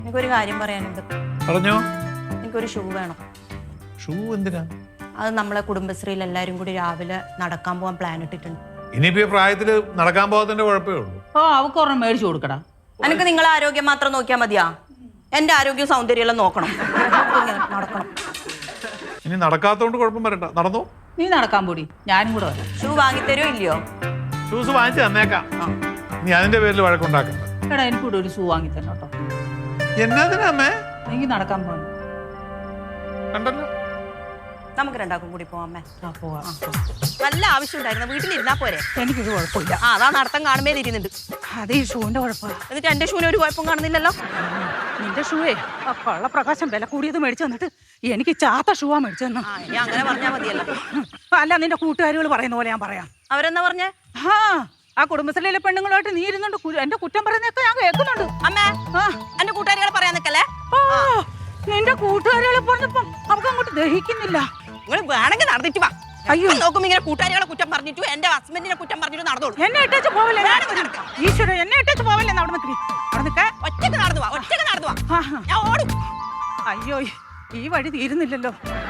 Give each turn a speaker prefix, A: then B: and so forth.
A: എനിക്കൊരു കാര്യം പറയാനുണ്ട്.
B: പറഞ്ഞോ.
A: എനിക്കൊരു ഷൂ വേണം.
B: ഷൂ എന്തിനാ?
A: അത് നമ്മളെ കുടുംബശ്രീയിൽ എല്ലാരും കൂടി രാവിലെ നടക്കാൻ പോകാൻ പ്ലാൻ ഇട്ടിട്ടുണ്ട്.
B: ഇനിയിപ്പോ പ്രായത്തില് നടക്കാൻ പോകാത്തതിന്റെ കുഴപ്പമേ ഉള്ളൂ.
C: ഓ അവക്ക് ഒരെണ്ണം മേടിച്ചു കൊടുക്കടാ.
A: എനിക്ക് നിങ്ങളെ ആരോഗ്യം മാത്രം നോക്കിയാൽ മതിയാ? എന്റെ ആരോഗ്യവും സൗന്ദര്യം എല്ലാം നോക്കണം. ഇങ്ങനെ നടക്കണം.
B: ഇനി നടക്കാത്തോണ്ട് കുഴപ്പം വരണ്ട. നടന്നോ.
C: നീ നടക്കാൻ പോടി, ഞാനും കൂടെ വരാം.
A: ഷൂ വാങ്ങിത്തരോ ഇല്ലയോ?
B: ഷൂസ് വാങ്ങിച്ചു തന്നേക്കാം. നീ അതിന്റെ പേരിൽ വഴക്കുണ്ടാക്കണ്ട.
C: എടാ എനിക്കൂടെ ഒരു ഷൂ വാങ്ങി തന്നെ കേട്ടോ.
B: എന്നാ അമ്മേ?
C: എനിക്ക് നടക്കാൻ പോകണം.
B: കണ്ടല്ലോ.
A: നമുക്ക് രണ്ടാക്കും കൂടി പോവാം അമ്മേ.
C: പോവാം.
A: നല്ല ആവശ്യം ഉണ്ടായിരുന്നു. വീട്ടിലിരുന്നാ പോരെ?
C: എനിക്കൊരു കുഴപ്പമില്ല.
A: അതാ നടത്തം കാണുമ്പേ ഇരുന്നുണ്ട്.
C: അത് ഈ ഷൂവിന്റെ കുഴപ്പമാണ്.
A: എന്നിട്ട് എന്റെ ഷൂവിന് ഒരു കുഴപ്പം കാണുന്നില്ലല്ലോ.
C: നിന്റെ ഷൂവേ ആ കള്ളപ്രകാശം വില കൂടിയത് മേടിച്ചു തന്നിട്ട് എനിക്ക് ചാത്ത ഷൂവാ മേടിച്ചു തന്നു.
A: ഇനി അങ്ങനെ പറഞ്ഞാ മതിയല്ലോ.
C: അല്ല നിന്റെ കൂട്ടുകാരികൾ പറയുന്ന പോലെ ഞാൻ പറയാം.
A: അവരെന്താ പറഞ്ഞേ?
C: ആ കുടുംബശ്രീയിലെ പെണ്ണുങ്ങളുമായിട്ട് നീ ഇരുന്നുണ്ട് എന്റെ കുറ്റം പറയുന്നതൊക്കെ ഞാൻ കേൾക്കുന്നുണ്ട്.
A: അമ്മേ എന്റെ കൂട്ടുകാരികളെ പറയാൻ നിക്കല്ലേ.
C: നിന്റെ കൂട്ടുകാരികളെ പറഞ്ഞപ്പം അവർക്ക് അങ്ങോട്ട് ദഹിക്കുന്നില്ല.
A: നിങ്ങൾ വേണമെങ്കിൽ നടന്നിട്ട് വാ.
C: അയ്യോ
A: നോക്കുമ്പോ ഇങ്ങനെ കൂട്ടുകാരികളെ കുറ്റം പറഞ്ഞിട്ടു എന്റെ ഹസ്ബൻഡിനെ കുറ്റം പറഞ്ഞിട്ട് നടന്നോളൂ.
C: എന്നെ ഇട്ടേച്ച് പോവല്ലേ? ഈശ്വര എന്നെ ഇട്ടേച്ച് പോവല്ലേ? അവിടെ നിൽക്കി അവിടെ നിൽക്കാൻ
A: ഒറ്റക്ക് നടന്നു വാ. ഒറ്റക്ക് നടന്നു വാ. ഞാൻ ഓടും.
C: അയ്യോ ഈ വഴി തീരുന്നില്ലല്ലോ.